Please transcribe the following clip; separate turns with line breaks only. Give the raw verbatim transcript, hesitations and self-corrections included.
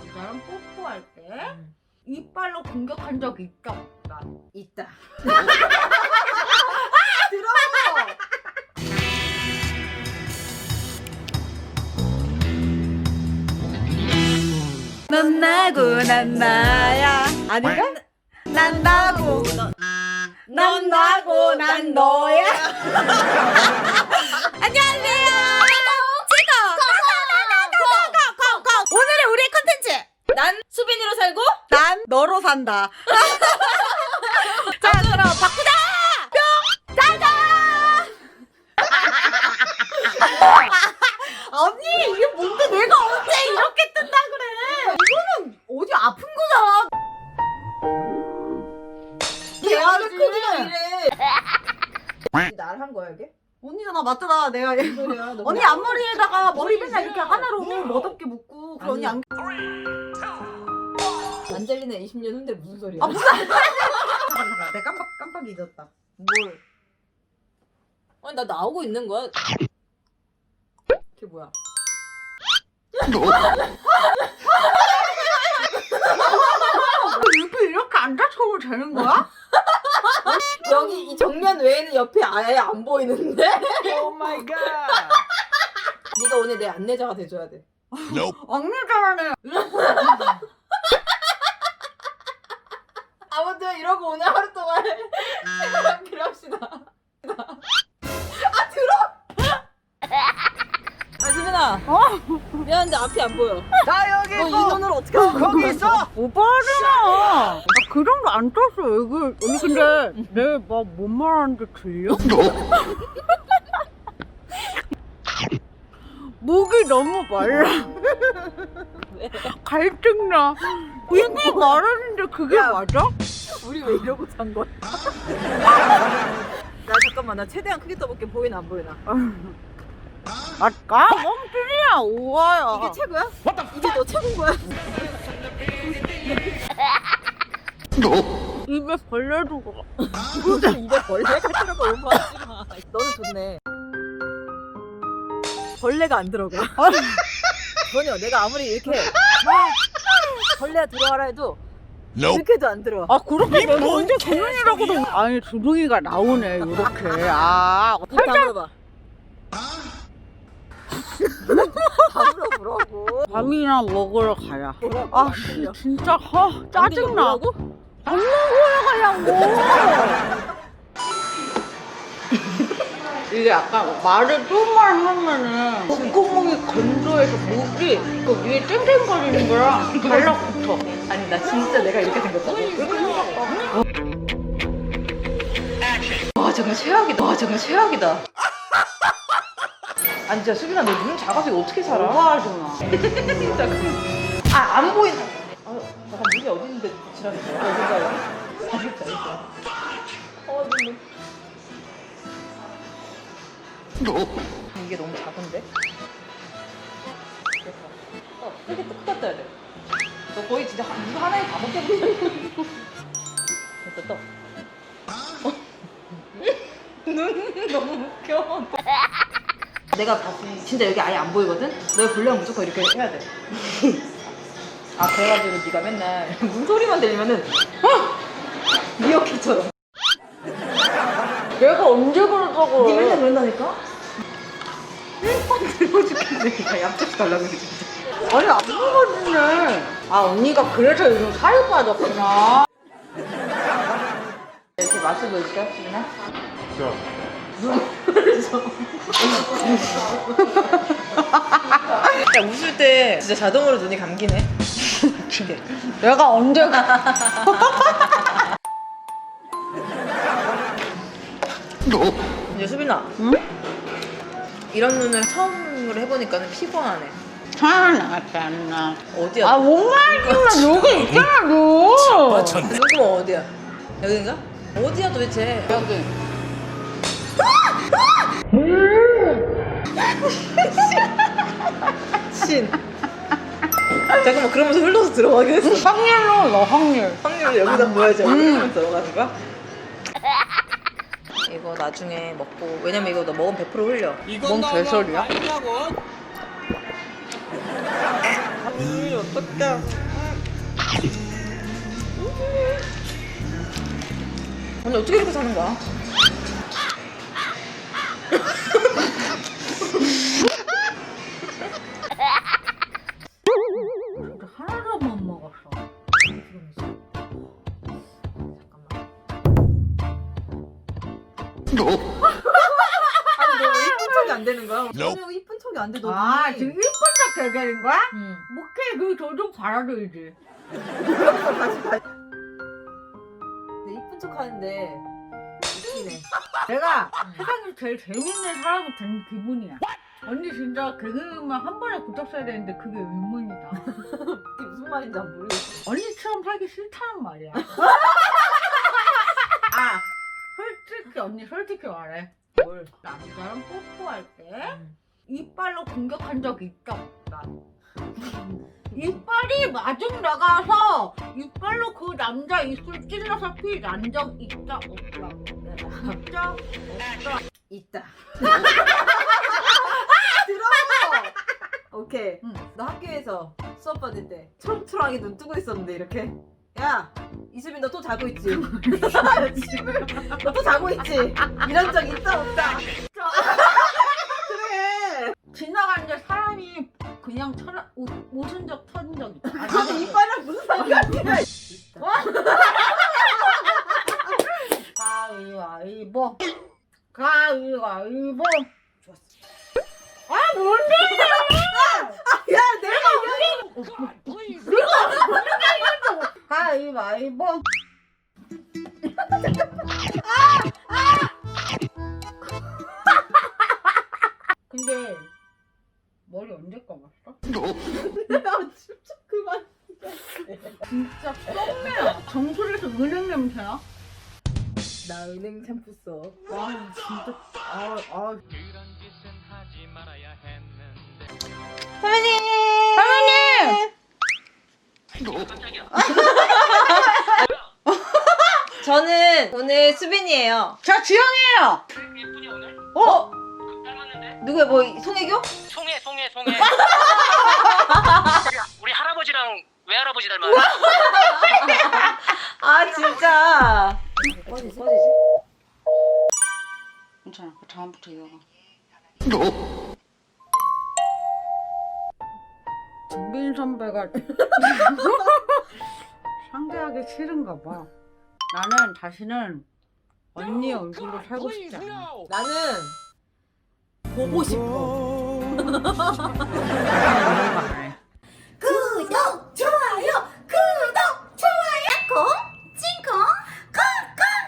나랑 뽀뽀할 때 음. 이빨로 공격한 적 있다 없다?
있다.
들어!
넌 나고 난 나야. 아닌가? 난 나고 넌 나고 난 너야. 안녕하세요. 지금 오늘의 우리의 컨텐츠.
난 수빈이로 살고
난 너로 산다. 자, 그럼 바꾸자. 뿅 짜잔. 아니 이게 뭔데 내가 언제 이렇게 뜬다 그래. 이거는 어디 아픈 거잖아.
대화의 크기가 이래. 날 한 거야 이게?
언니가 나 맞잖아. 내가
소리야, 너
언니
그냥-
앞머리에다가 머리 맨날 이렇게 하나로 멋없게 묶고 그리고 언니 안
안젤리나 이십 년 후인데 무슨 소리야?
아, 무슨 잠깐 잠깐 내가 깜빡 깜빡 잊었다.
뭘? 아니 나 나오고 있는 거야? 그게 뭐야?
이렇게 이렇게 앉아서도 되는 거야?
여기 이 정면 외에는 옆에 아예 안 보이는데?
오 마이 갓.
네가 오늘 내 안내자가 돼줘야 돼.
악물잖아네.
아무튼 이러고 오늘 하루 동안 생활하기로 합시다. 아 들어! 아 수빈아.
어?
미안한데 앞이 안 보여.
나 여기
너 이
있고
눈으로 어떻게 하는 거야?
거기 있어.
오빠잖아. 나 그 정도 안 떴어. 이거 언니 근데 내 막 뭔 말하는지 들려? 목이 너무 말라.
왜?
갈증나. 이게 말하는데 그게 맞아?
우리 왜 이러고 산 거야? 나 잠깐만 나 최대한 크게 떠볼게. 보이나 안 보이나?
맞까? 멍청이야 오아야.
이게 최고야? 이게 너 최고인 거야?
입에 벌레도 가.
입에 벌레가 들어가 오버하지 마. 너는 좋네. 벌레가 안 들어가. 전혀 내가 아무리 이렇게 막 벌레가 들어가라 해도 이렇게도 안 들어와.
아 그렇게 내가 언제 조용이라고도. 아니 주둥이가 나오네 이렇게. 아
살짝 물어봐. 밥으로 보라고.
밥이나 먹으러 가야.
보라고.
아 씨, 진짜 아, 짜증나.
보라고?
밥 먹으러 가려고. 이게 약간 말을 좀만 하면은 목구멍이 건조해서 목이 그 위에 쨍쨍거리는 거랑 달라붙어.
아니 나 진짜 내가 이렇게 생겼다고? 와 정말 최악이다. 와 정말 최악이다. 아니 진짜 수빈아 너 눈 작아서 이거 어떻게 살아?
오버하지 마.
진짜 아 안 보인. 아 잠깐 눈이 어디 있는데 지랄이 뭐야? 어딘가요? 알겠어 알겠어. 어 눈. 이게 너무 작은데? 됐어. 어 크게 또 크다 떠야 돼. 너 거의 진짜 한- 이거 하나에 다 먹겠네. 됐어 또. 어. 눈 너무 웃겨. 내가 봤을 진짜 여기 아예 안 보이거든? 너 보려면 무조건 이렇게 해야 돼. 아 그래가지고 네가 맨날 문소리만 들리면은 어! 미어캣처럼
내가 언제 그러자고.
네 맨날 그런다니까? 들고 죽겠네. 야 얍잡지 달라고 그래 진짜.
아니 안 먹어지네. 아 언니가 그래서 요즘 살이 빠졌구나.
이렇게 맛을 보여줄까? 수빈아? 야 웃을 때 진짜 자동으로 눈이 감기네. 이게.
내가 언제
이제 수빈아.
응?
이런 눈을 처음으로 해보니까는 피곤하네.
아 나잖아.
어디야?
아 뭔가 여기 있잖아 너.
눈구멍 어디야? 여긴가? 어디야 도대체?
여기.
신. 잠깐만 그러면서 흘러서 들어가긴 했어.
확률로 넣어 확률.
확률을 여기다 보여야지.
음.
흘러서 들어가는 거야? 이거 나중에 먹고 왜냐면 이거 너 먹으면 백 퍼센트 흘려.
뭔 개소리야?
음, 어떡해. 아니, 어떻게 이렇게 사는 거야?
진짜 하나도 못 먹었어.
아니, 너 왜 이쁜 척이 안 되는 거야? 전혀 이쁜 척이 안 돼, 너.
아, 지금 일분 딱 얘기하는 거야?
응.
목해 그 저 좀 받아들이지.
다시 다시. 내 이쁜 척 하는데 웃기네.
내가 세상에서 제일 재밌는 사람이 된 기분이야. 언니 진짜 개그맨 한 번에 붙었어야 되는데 그게 의문이다.
그게 무슨 말인지 안 모르겠어.
언니처럼 살기 싫다는 말이야. 아, 솔직히 언니 솔직히 말해.
뭘?
남자랑 뽀뽀할 때
응.
이빨로 공격한 적 있다 없다. 이빨이 마중 나가서 이빨로 그 남자 입술 찔러서 피 난 적 있다 없다. 진짜 없다.
있다. 들어. 오케이.
응.
너 학교에서 수업 받을 때 초롱초롱하게 눈 뜨고 있었는데 이렇게. 야, 이수빈 너 또 자고 있지? 너 또 자고 있지? 이런 적 있다 없다. 그래.
지나가는데 사람이 그냥 쳐라, 웃, 웃은 적 터진 적 있다. 아,
그게 이빨이랑 무슨 상관이야?
가위바위보. 가위바위보.
좋았어.
아, 뭔데?
야, 내가
가위바위보. 근데 머리 언제 감았어?
야, 진짜 그만.
진짜 썸매야. 정수리에서 은행 냄새야?
나 은행 샴푸 써.
와 진짜 아 아.
선배님!
선배님!
저는 오늘 수빈이에요.
저 주영이에요.
예쁘니 오늘?
어?
닮았는데?
누구야, 뭐, 송혜교?
송해 송해 송해 우리 할아버지랑 외할아버지 닮았어.
아, 진짜. 꺼지지, 꺼지지.
괜찮아. 그 다음부터 이어가. 김빈 선배가 상대하기 싫은가 봐. 나는 다시는 언니 얼굴로 살고 싶지 않아.
나는 보고 싶어.
말해.